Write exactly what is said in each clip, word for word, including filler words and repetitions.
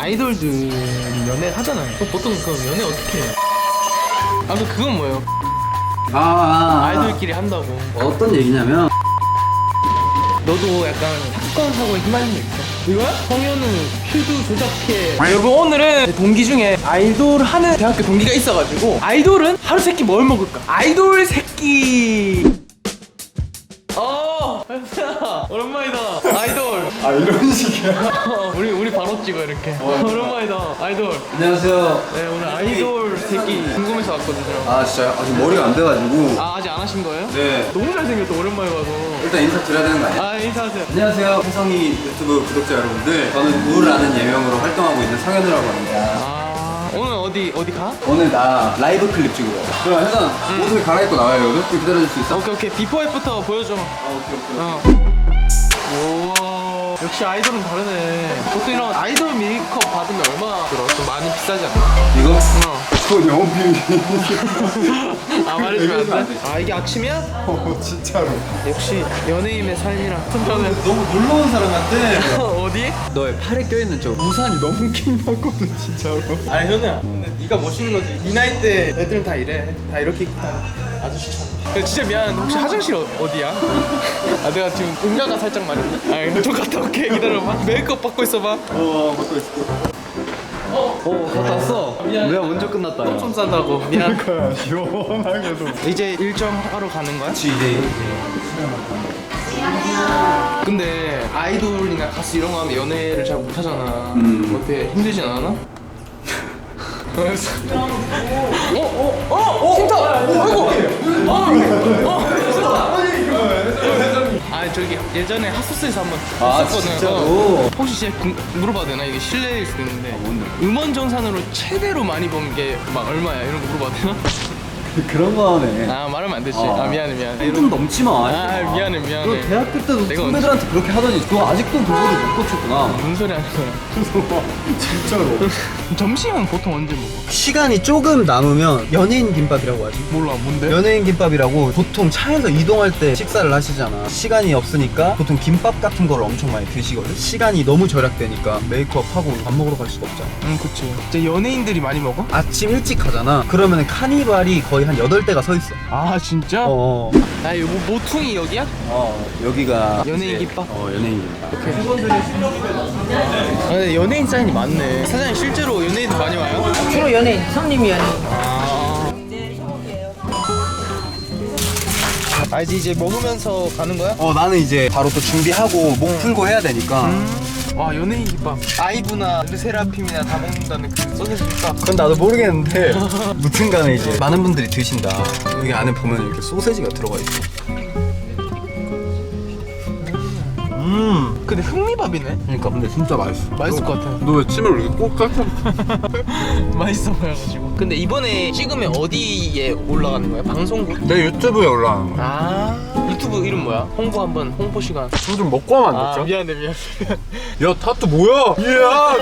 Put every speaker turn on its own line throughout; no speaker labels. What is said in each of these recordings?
아이돌들 연애를 하잖아요. 그럼 보통 그 연애 어떻게 해요? 아, 그 그건 뭐예요?
아, 아, 아.
아이돌끼리 한다고.
어떤 얘기냐면
너도 약간 사건 사고에 휘말린 적 있어? 이거야? 성현우 퓨즈 조작해. 여러분, 오늘은 동기 중에 아이돌 하는 대학교 동기가 있어가지고 아이돌은 하루 세끼 뭘 먹을까? 아이돌 새끼. 어, 현수야 오랜만이다. 아이돌.
아 이런 식이야?
어, 우리 우리 바로 찍어 이렇게. 어, 오랜만이다. 아이돌.
안녕하세요.
네, 오늘 아이돌 새끼 궁금해서 왔거든요.
아 진짜요? 아직 머리가 안 돼가지고.
아, 아직 안 하신 거예요?
네.
너무 잘생겼다. 오랜만에 봐서.
일단 인사 드려야 되는 거 아니에요?
아, 인사하세요.
안녕하세요. 혜성이 유튜브 구독자 여러분들. 저는 우울라는 예명으로 활동하고 있는 성현우라고 합니다.
아, 오늘 어디 어디 가?
오늘 나 라이브 클립 찍으러 와요. 그럼 혜성
응.
옷을 갈아입고 나와요. 여러분 좀 기다려줄 수 있어?
오케이 오케이. 비포 애프터 보여줘.
아 오케이 오케이.
어. 오, 역시 아이돌은 다르네. 보통 이런 아이돌 메이크업 받으면 얼마 들어? 좀 많이 비싸지 않나?
이거?
어.
그건 영업 비밀.
아, 말해주면 안 돼? 아, 이게 아침이야?
어 진짜로.
역시 연예인의 삶이라. 저는
너무 놀러 온 사람 같아.
어디?
너의 팔에 껴있는 저 우산이 너무 킹받거든 진짜로.
아니, 현우야. 근데 네가 멋있는 거지. 이 나이 때 애들은 다 이래. 다 이렇게 입고 다녀. 아저씨처럼. 근데 진짜 미안한데 혹시 화장실 어, 어디야? 아, 내가 지금 응가가 살짝 많은데. 아, 좀 갔다 올게. 기다려봐. 메이크업 받고 있어봐.
어 받고 있을게.
어,
어 갔다 왔어.
미안.
내가 먼저 끝났다. 야.
좀 싼다고. 미안.
그러니까 시원하게도.
이제 일정 하러 가는 거야?
그치 이제
근데 아이돌이나 가수 이런 거 하면 연애를 잘 못하잖아.
음.
어때? 힘들진 않아? 그래서 어? 어? 어? 진짜! 아이고! 어? 아, 저기 예전에 핫소스에서 한번
아,
했었거든.
진짜로?
어. 혹시 제가 궁- 물어봐도 되나? 이게 실례일 수도 있는데
뭔데?
음원 정산으로 최대로 많이 번 게 막 얼마야? 이런 거 물어봐도 되나?
그런 거 하네.
아, 말하면 안 되지.
어.
아, 미안해 미안해.
좀 넘지 마.
아, 미안해 미안해.
너 대학교 때도
내가
선배들한테 그렇게 하더니 그거 아직도 그거를 못 고쳤구나.
무슨 소리 하는 거야?
진짜로.
점심은 보통 언제 먹어?
시간이 조금 남으면 연예인 김밥이라고 하지.
몰라, 뭔데?
연예인 김밥이라고 보통 차에서 이동할 때 식사를 하시잖아. 시간이 없으니까 보통 김밥 같은 걸 엄청 많이 드시거든. 시간이 너무 절약되니까 메이크업하고 밥 먹으러 갈 수가 없잖아.
응, 그치. 이제 연예인들이 많이 먹어?
아침 일찍 가잖아. 그러면 카니발이 거의 한 여덟 대가 서 있어.
아, 진짜?
어,
아, 이거 모퉁이 여기야?
어 여기가
연예인 김밥?
어 연예인 김밥.
아, 근데 연예인 사인이 많네. 사장님, 실제로 연예인들 많이 와요?
주로 연예인, 손님이 연예인.
아. 아, 이제 이제 먹으면서 가는 거야?
어 나는 이제 바로 또 준비하고 목 풀고 해야 되니까.
와, 연예인 김밥. 아이브나 르세라핌이나 다 먹는다는 그 소세지 김밥.
그건 나도 모르겠는데 무튼간에 이제 많은 분들이 드신다. 여기 안에 보면 이렇게 소세지가 들어가 있어.
음. 근데 흑미밥이네?
그러니까 근데 진짜 맛있어.
맛있을 것 같아.
너 왜 침을 이렇게 꼭 깎아?
맛있어 보여가지고. 근데 이번에 찍으면 어디에 올라가는 거야? 방송국?
내 유튜브에 올라가는 거야.
아, 유튜브 이름 뭐야? 홍보 한번, 홍보 시간.
저 좀 먹고 하면
아,
안 됐죠?
미안해 미안해.
야 타투 뭐야? 이야.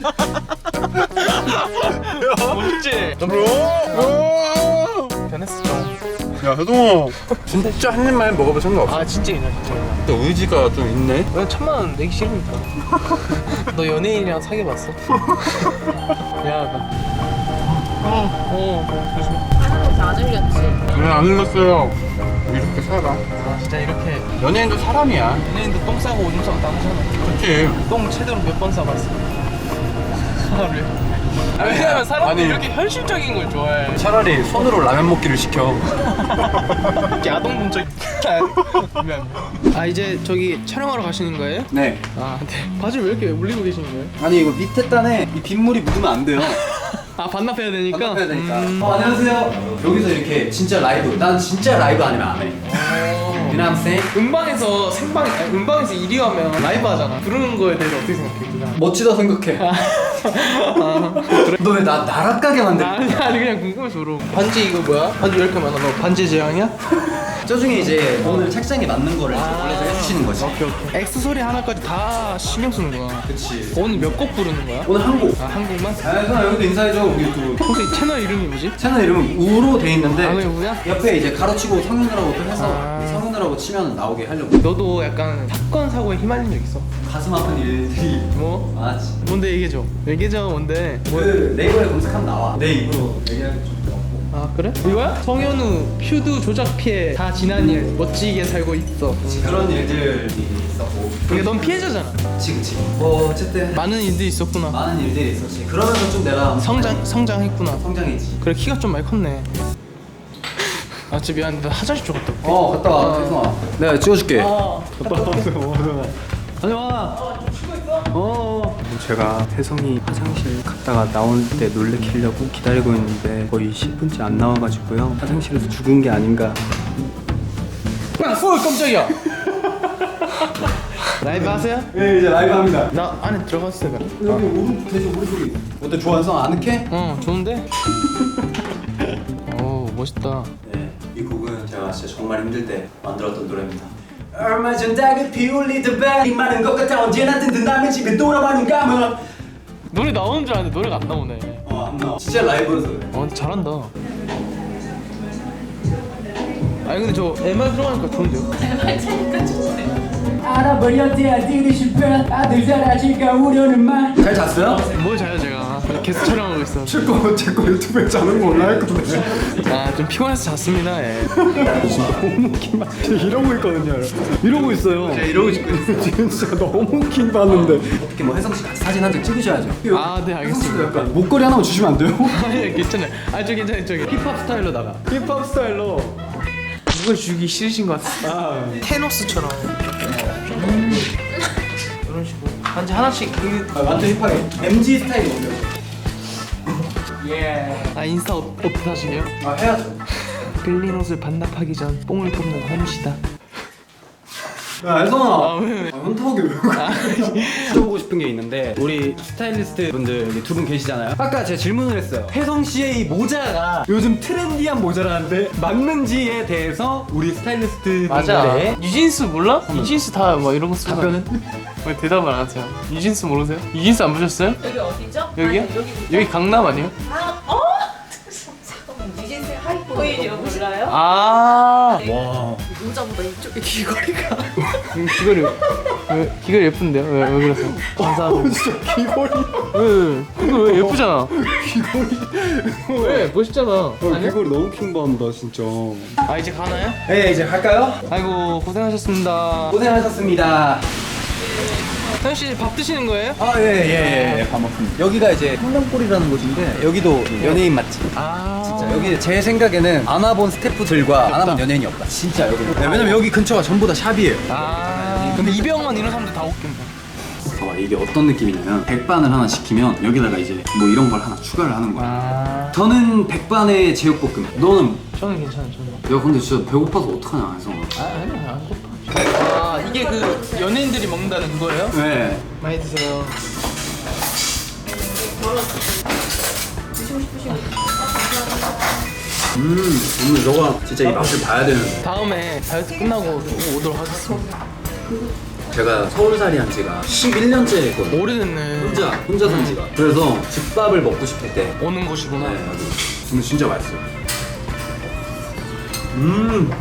멋있지?
뭐?
변했어 좀.
야 혜동아 진짜 한 입만 먹어볼 생각 없어?
아, 진짜 괜찮아 진짜.
근데 의지가 좀 있네?
왜 천만 원 내기 싫으니까. 너 연예인이랑 사귀어봤어? 미안하다. 어, 어, 조심해.
하나도 안 흘렸지.
그래 안 흘렀어요. 이렇게 살아.
아, 진짜 이렇게
연예인도 사람이야.
연예인도 똥 싸고 오줌 싸고 다 하잖아.
그치?
똥 최대로 몇 번 싸봤어? 하루에. 아, 왜냐면 사람들이
아니.
이렇게 현실적인 걸 좋아해.
차라리 손으로 라면 먹기를 시켜.
이렇게 아동분적. 미안. 아, 이제 저기 촬영하러 가시는 거예요?
네.
아, 네. 바지를 왜 이렇게 올리고 계시는 거예요?
아니 이거 밑에 단에 이 빗물이 묻으면 안 돼요.
아, 반납해야 되니까?
반납해야 되니까.
음.
어, 안녕하세요. 여기서 이렇게 진짜 라이브. 난 진짜 라이브 아니면 안 해. You know what I'm saying?
음방에서 생방, 아니, 음방에서 일 위 하면 라이브 하잖아. 그러는 거에 대해서 어떻게 생각해? 그냥?
멋지다 생각해. 너 왜 나 나락가게 만들?
아니, 아니, 그냥 궁금해서 물어. 반지 이거 뭐야? 반지 왜 이렇게 많아? 너 반지 제왕이야?
저 중에 이제 오늘 책상에 맞는 거를 이제 골라서 해주시는 거지.
오케이 오케이. 엑스소리 하나까지 다 신경 쓰는구나.
그치.
오늘 몇 곡 부르는 거야?
오늘 한 곡.
아 한국만?
아, 형 여기도 인사해줘. 우리 유튜브.
혹시 채널 이름이 뭐지?
채널 이름은 우로 돼 있는데
아 그냥 우야?
옆에 이제 가로치고 성현우라고 또 해서
아.
성현우라고 치면 나오게 하려고.
너도 약간 사건 사고에 휘말린 적 있어?
가슴 아픈 일들이
뭐?
많았지.
뭔데 얘기해줘. 얘기해줘 뭔데? 뭐?
그 네이버에 검색하면 나와. 내 입으로 얘기하기 좀 그렇고.
아 그래? 이거야? 성현우 퓨드 조작 피해 다 지난 일 멋지게 살고 있어.
그런 일들이 있었고.
이게 넌 피해자잖아.
그치 그치. 뭐 어쨌든
많은 일들이 있었구나.
많은 일들이 있었지. 그러면서 좀 내가
성장 성장했구나.
성장했지.
그래 키가 좀 많이 컸네. 아 진짜 미안한데 나 화장실 좀 갔다 올게.
어 갔다 와. 혜성아. 내가 찍어줄게.
아 갔다 올게. 다녀와. 어.
제가 혜성이 화장실 갔다가 나올 때 놀래키려고 기다리고 있는데 거의 십 분째 안 나와가지고요. 화장실에서 죽은 게 아닌가.
아, 어 깜짝이야. 라이브 하세요?
네 이제 라이브 합니다.
나 안에 들어갔어요. 그럼.
여기 오른 계속 오른쪽이. 어때 좋아 혜성아 아늑해?
어 좋은데? 오 멋있다.
네, 이 곡은 제가 진짜 정말 힘들 때 만들었던 노래입니다. 얼마 전 다급히 울리던 벨이 많은 것 같아 언제나 든든함에 집에 돌아가는 감은.
노래 나오는 줄 알았는데 노래가 안 나오네.
어, 안 나와. 진짜 라이브여서 그래.
어 잘한다. 아니 근데 저 엠알 들어가니까 좋은데요?
알아버렸대 아들이 실패 아들 사라질까 우려는 말
잘 잤어요?
뭘 자요 제가 계속 촬영하고 있어.
제거 제거 유튜브에 자는 거 올라갈 건데.
아좀 피곤해서 잤습니다. 예.
이러고 있거든요. 이러고 있어요.
제가 이러고 싶고 있어요.
지금 진짜 너무 긴 봤는데.
어떻게 뭐 혜성 씨 같이 사진 한 장 찍으셔야죠.
아 네 알겠습니다.
약간
목걸이 하나만 주시면 안 돼요?
아니 괜찮아요. 아저 괜찮아요 저기 힙합 스타일로 나가.
힙합 스타일로.
누굴 주기 싫으신 것 같아.
아.
테노스처럼. 음. 이런 식으로 반지 하나씩 그.
아, 완전 힙하게 엠지 스타일 넘겨.
예. 아 인스타 어, 어떻게 하시게요?
아 해야죠.
빌린 옷을 반납하기 전 뽕을 뽑는 홈시다.
야 혜성아.
아 왜 왜?
아, 현타오게 왜 그래? 여쭤보고 싶은 게 있는데 우리 스타일리스트 분들 두 분 계시잖아요. 아까 제가 질문을 했어요. 혜성 씨의 이 모자가 요즘 트렌디한 모자라는데 맞는지에 대해서 우리 스타일리스트
맞아.
분들의
유진스 몰라? 유진스 다 뭐 이런 거 쓰고.
답변은?
왜 대답을 안 하세요? 유진스 모르세요? 유진스 안 보셨어요?
여기 어디죠?
여기요?
아니, 여기
여기 강남 아니에요?
아, 어? 잠깐만 유진스 하이포이지요 몰라요?
아.
와.
모자보다 이쪽에 귀걸이가
음, 귀걸이 왜 귀걸이 예쁜데요? 왜, 왜 그러세요? 감사합니다.
진짜 귀걸이.
왜? 왜? 이거 왜 예쁘잖아.
귀걸이.
왜? 멋있잖아. 아니야?
귀걸이 너무 킹 받는다 진짜.
아 이제 가나요?
네 이제 갈까요?
아이고 고생하셨습니다.
고생하셨습니다.
태현 씨 밥 드시는 거예요?
아 예예예 예, 밥 먹습니다. 여기가 이제 한남골이라는 곳인데 여기도 연예인 맛집.
아
진짜 여기 제 생각에는 안 와본 스태프들과 안 와본 연예인이 없다. 진짜 여기. 네, 왜냐면 여기 근처가 전부 다 샵이에요.
아 근데 이병헌 이런 사람들 다 웃긴다.
어, 이게 어떤 느낌이냐면 백반을 하나 시키면 여기다가 이제 뭐 이런 걸 하나 추가를 하는 거야.
아
저는 백반에 제육볶음. 너는?
저는 괜찮아요. 저는.
야 근데 진짜 배고파서 어떡하냐 해서.
아 아니야 안 고파. 아 이게 그 연예인들이 먹는다는 그거예요?
네.
많이 드세요.
음 오늘 너가 진짜 이 맛을 봐야 되는.
다음에 다이어트 끝나고 또 오도록 하겠습니다.
제가 서울살이 한 지가 십일 년째 했거든요.
오래됐네.
혼자 혼자 산 지가. 그래서 집밥을 먹고 싶을 때.
오는 곳이구나.
네 여기. 근데 진짜 맛있어요. 음.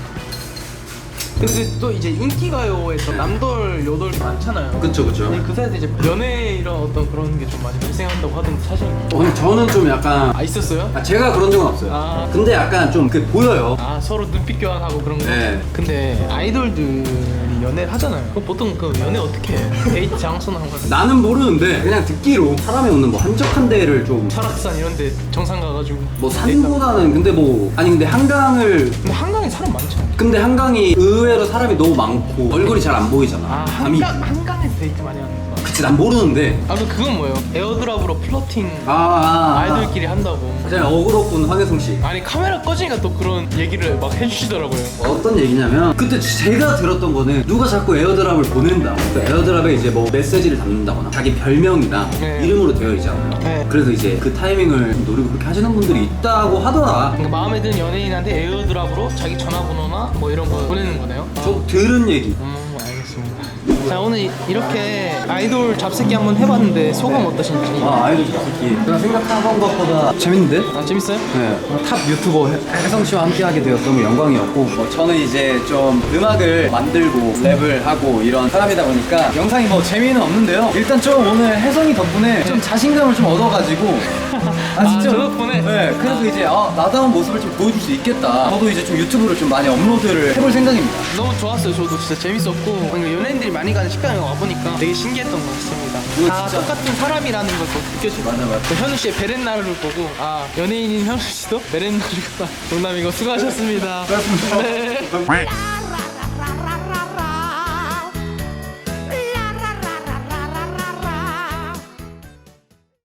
근데 또 이제 인기가요에서 남돌 여돌 많잖아요.
그쵸 그쵸.
근데 그 사이에 이제 연애 이런 어떤 그런 게 좀 많이 발생한다고 하던데 사실
어, 근데 저는 좀 약간
아 있었어요?
아, 제가 그런 적은 없어요.
아.
근데 약간 좀 그 보여요.
아 서로 눈빛 교환하고 그런 거.
네.
근데 아이돌들이 연애를 하잖아요. 그럼 보통 그 연애 어떻게 해? 데이트 장소나 한 거.
나는 모르는데 그냥 듣기로 사람이 없는 뭐 한적한 데를 좀.
설악산 이런데 정상 가가지고.
뭐
데이트하고.
산보다는 근데 뭐 아니 근데 한강을
근데 한강에 사람 많죠.
근데 한강이 의외로 사람이 너무 많고 얼굴이 잘 안 보이잖아.
아
밤이.
한강 한강에서 데이트 많이 하는 거.
진짜 난 모르는데.
아, 그 그건 뭐예요? 에어드랍으로 플러팅
아, 아, 아.
아이돌끼리 한다고.
그냥 어그로꾼 황혜성 씨.
아니 카메라 꺼지니까 또 그런 얘기를 막 해주시더라고요.
어떤 얘기냐면 그때 제가 들었던 거는 누가 자꾸 에어드랍을 보낸다. 그 에어드랍에 이제 뭐 메시지를 담는다거나 자기 별명이나
네.
이름으로 되어 있잖아요.
네.
그래서 이제 그 타이밍을 좀 노리고 그렇게 하시는 분들이 있다고 하더라.
그러니까 마음에 드는 연예인한테 에어드랍으로 자기 전화번호나 뭐 이런 거 보내는 거네요.
저 들은 얘기.
음, 알겠습니다. 자, 오늘 이렇게 아이돌 잡새끼 한번 해봤는데 소감 어떠신지?
아, 아이돌 잡새끼. 제가 생각한 것보다 재밌는데?
아, 재밌어요?
네, 탑 유튜버 해- 혜성 씨와 함께하게 되어서 너무 영광이었고 뭐 저는 이제 좀 음악을 만들고 랩을 하고 이런 사람이다 보니까 영상이 뭐 재미는 없는데요. 일단 좀 오늘 혜성이 덕분에 좀 자신감을 좀 얻어가지고 아 진짜
아, 저 덕분에?
네, 그래서 이제 아, 나다운 모습을 좀 보여줄 수 있겠다. 저도 이제 좀 유튜브를 좀 많이 업로드를 해볼 생각입니다.
너무 좋았어요. 저도 진짜 재밌었고 그러니까 연예인들이 많이 가는 식당에 와보니까 되게 신기했던 것 같습니다.
이거
다
진짜-
똑같은 사람이라는 것도 느껴지고
맞아, 맞아.
그 현우 씨의 베렌나를 보고 아 연예인인 현우 씨도 베렌나르구나. 농담이고 수고하셨습니다.
고맙습니다.
네.